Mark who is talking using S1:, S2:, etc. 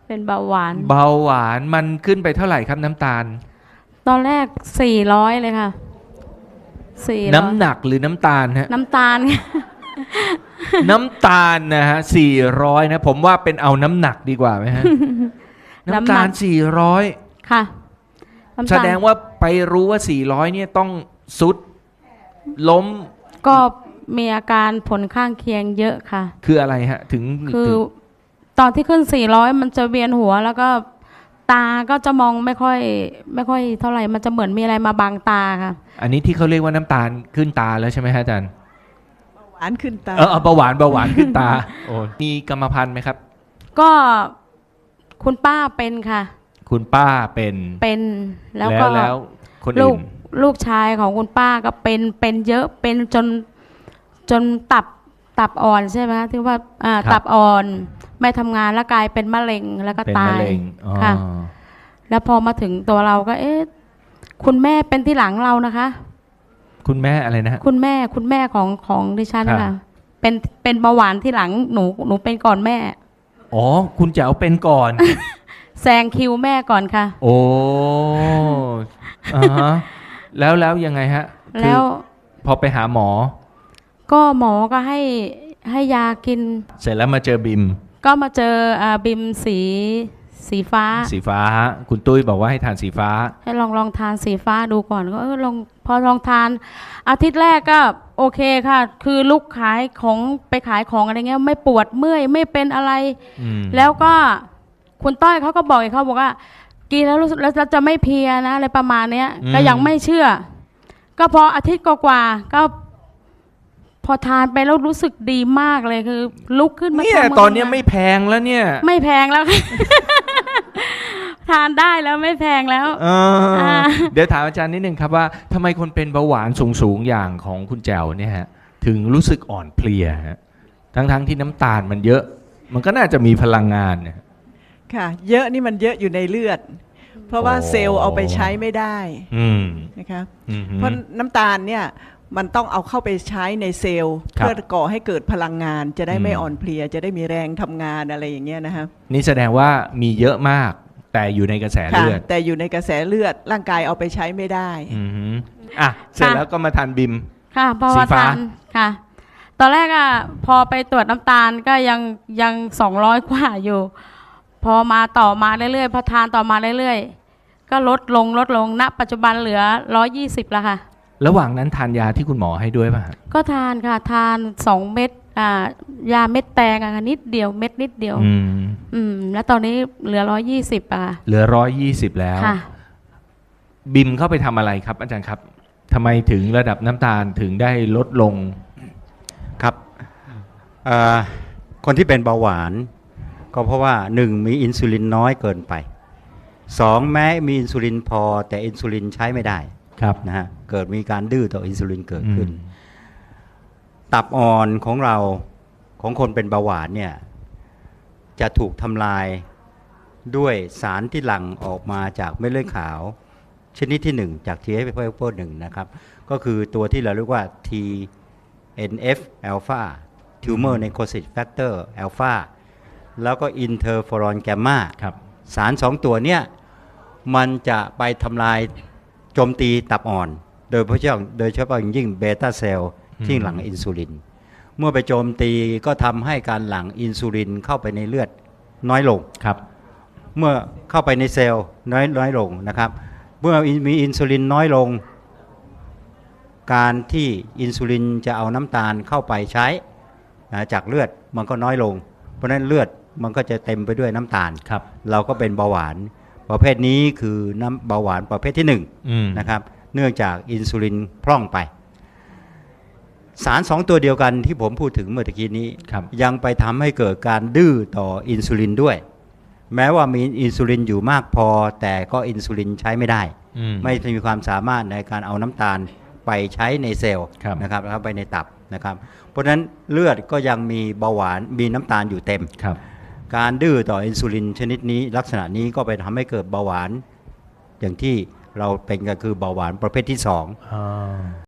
S1: เป็นเบาหวาน
S2: เบาหวานมันขึ้นไปเท่าไหร่ครับน้ำตาล
S1: ตอนแรก400เลยค่ะ400
S2: น้ำหนักหรือน้ำตาลฮะ
S1: น้ำตาล
S2: น้ำตาลนะฮะ400นะผมว่าเป็นเอาน้ำหนักดีกว่าไหมฮะ น้ำตาล400
S1: ค่ะน้ำตาล
S2: แสดงว่าไปรู้ว่า400เนี่ยต้องสุดล้ม
S1: ก็มีอาการผลข้างเคียงเยอะค่ะ
S2: คืออะไรฮะถึง
S1: คือตอนที่ขึ้น400มันจะเวียนหัวแล้วก็ตาก็จะมองไม่ค่อยเท่าไหร่มันจะเหมือนมีอะไรมาบังตาค่ะ
S2: อันนี้ที่เขาเรียกว่าน้ำตาลขึ้นตาแล้วใช่ไหมฮะอาจารย์
S3: หวานขึ้นตา
S2: เบาหวานขึ้นตาโอ้มีกรรมพันธุ์ไหมครับ
S1: ก็คุณป้าเป็นค่ะ
S2: คุณป้าเป็น
S1: เป็นแล้วก็
S2: แล้วคน
S1: ลู
S2: อื่
S1: ก
S2: น
S1: ลูกชายของคุณป้าก็เป็นเยอะเป็นจนตับอ่อนใช่ไหมที่ว่าตับอ่อนไม่ทำงานแล้วกลายเป็นมะเร็งแล้วก็
S2: เป็น
S1: ตาม
S2: ะ
S1: ย
S2: เร็งอ๋อ
S1: ค่ะ แล้วพอมาถึงตัวเราก็คุณแม่เป็นที่หลังเรานะคะ
S2: คุณแม่อะไรนะฮะ
S1: คุณแม่ของดิฉัน
S2: ครั
S1: ค่ะ
S2: บ
S1: เป็นเบาหวานที่หลังหนูเป็นก่อนแม่
S2: อ๋อคุณแจ๋วเป็นก่อน
S1: แซงคิวแม่ก่อนค่ะ
S2: โอ้อ่าฮะแล้วยังไงฮะคือ
S1: แล้ว
S2: พอไปหาหมอ
S1: ก็หมอก็ให้ยากิน
S2: เสร็จแล้วมาเจอบิม
S1: ก็มาเจอบิมสีฟ้า
S2: สีฟ้าคุณตุ้ยบอกว่าให้ทานสีฟ้า
S1: ให้ลองทานสีฟ้าดูก่อนก็พอลองทานอาทิตย์แรกก็โอเคค่ะ คือลุกขายของไปขายของอะไรเงี้ยไม่ปวดเมื่อยไม่เป็นอะไร
S2: อืม
S1: แล้วก็คุณต้อยเขาก็บอกเขาบอกว่า กินแล้วรู้สึกแล้วจะไม่เพลียนะอะไรประมาณเนี้ยก็ยังไม่เชื่อ ก็พออาทิตย์กว่าๆก็พอทานไปแล้วรู้สึกดีมากเลยคือ ลุกขึ้นมา
S2: เนี่ย
S1: ทำ
S2: ตอนเนี้ยไม่แพงแล้วเนี่ย
S1: ไม่แพงแล้ว ทานได้แล้วไม่แพงแล้ว
S2: เดี๋ยวถามอาจารย์นิดนึงครับว่าทำไมคนเป็นเบาหวานสูงอย่างของคุณแจ๋วเนี่ยฮะถึงรู้สึกอ่อนเพลียฮะทั้งที่น้ำตาลมันเยอะ มันก็น่าจะมีพลังงานเนี่ย
S3: ค่ะ เยอะนี่มันเยอะอยู่ในเลือด เพราะว่า
S2: โอ้
S3: เซลล์เอาไปใช้ไม่ได้
S2: อืม
S3: นะคะ
S2: อืม
S3: เพราะน้ำตาลเนี่ยมันต้องเอาเข้าไปใช้ในเซลล์
S2: ครับ
S3: เพื่อก่อให้เกิดพลังงาน จะได้ไม่
S2: อืม
S3: อ่อนเพลีย จะได้มีแรงทำงานอะไรอย่างเงี้ยนะคะ
S2: นี่แสดงว่ามีเยอะมาก แต่อยู่ในกระแส
S3: ค่ะ
S2: เลือด
S3: แต่อยู่ในกระแสเลือดร่างกายเอาไปใช้ไม่ได้
S2: อืมฮึอ่ะเสร็จแล้วก็มาทานบิม
S1: ค่ะเพราะว่า
S2: สีฟ้า
S1: ทานค่ะ ตอนแรกพอไปตรวจน้ำตาลก็ยัง200 กว่าอยู่ พอมาต่อมาเรื่อยๆพอทานต่อมาเรื่อยๆก็ลดลงณปัจจุบันเหลือ120แล้วค่ะ
S2: ระหว่างนั้นทานยาที่คุณหมอให้ด้วยป่ะฮะ
S1: ก็ทานค่ะทาน2 เม็ดยาเม็ดแตงค่ะนิดเดียวเม็ดนิดเดียว แล้วตอนนี้เหลือ120ค่ะ
S2: เหลือ120แล้ว
S1: ค่ะ
S2: บิมเข้าไปทำอะไรครับ อาจารย์ครับทำไมถึงระดับน้ำตาลถึงได้ลดลง
S4: ครับคนที่เป็นเบาหวาน ก็เพราะว่า 1. มีอินซูลินน้อยเกินไป 2. แม้มีอินซูลินพอแต่อินซูลินใช้ไม่ได้
S2: ครับ
S4: นะฮะเกิดมีการดื้อต่ออินซูลินเกิดขึ้น ตับอ่อนของเราของคนเป็นเบาหวานเนี่ยจะถูกทำลายด้วยสารที่หลั่งออกมาจากเม็ดเลือดขาว ชนิดที่ 1 จาก TNF-alpha 1นะครับก็คือตัวที่เราเรียกว่า TNF alpha tumor necrosis factor alpha แล้วก็ interferon gamma
S2: ครับ
S4: สาร 2 ตัวเนี่ยมันจะไปทำลายโจมตีตับอ่อน โดยเฉพาะอย่างยิ่งเบต้าเซลล์ที่หลั่งอินซูลิน เมื่อไปโจมตีก็ทำให้การหลั่งอินซูลินเข้าไปในเลือดน้อยลง
S2: ครับ
S4: เมื่อเข้าไปในเซลล์น้อยลงนะครับเมื่อมีอินซูลินน้อยลง การที่อินซูลินจะเอาน้ำตาลเข้าไปใช้จากเลือดมันก็น้อยลง เพราะฉะนั้นเลือดมันก็จะเต็มไปด้วยน้ำตาล
S2: ครับ
S4: เราก็เป็นเบาหวานประเภทนี้คือน้ำเบาหวานประเภทที่
S2: อืม
S4: 1นะครับเนื่องจากอินซูลินพร่องไป สาร 2 ตัวเดียวกันที่ผมพูดถึงเมื่อกี้นี้
S2: ครับ
S4: ยังไปทำให้เกิดการดื้อต่ออินซูลินด้วย แม้ว่ามีอินซูลินอยู่มากพอแต่ก็อินซูลินใช้ไม่ได้ ไม่มีความสามารถในการเอาน้ำตาลไปใช้ในเซลล์
S2: ครับ
S4: นะครับแล้วไปในตับนะครับเพราะฉะนั้นเลือดก็ยังมีเบาหวานมีน้ำตาลอยู่เต็ม
S2: ครับ
S4: การดื้อต่ออินซูลินชนิดนี้ลักษณะนี้ก็ไปทำให้เกิดเบาหวาน อย่างที่เราเป็นก็คือเบาหวานประเภทที่ 2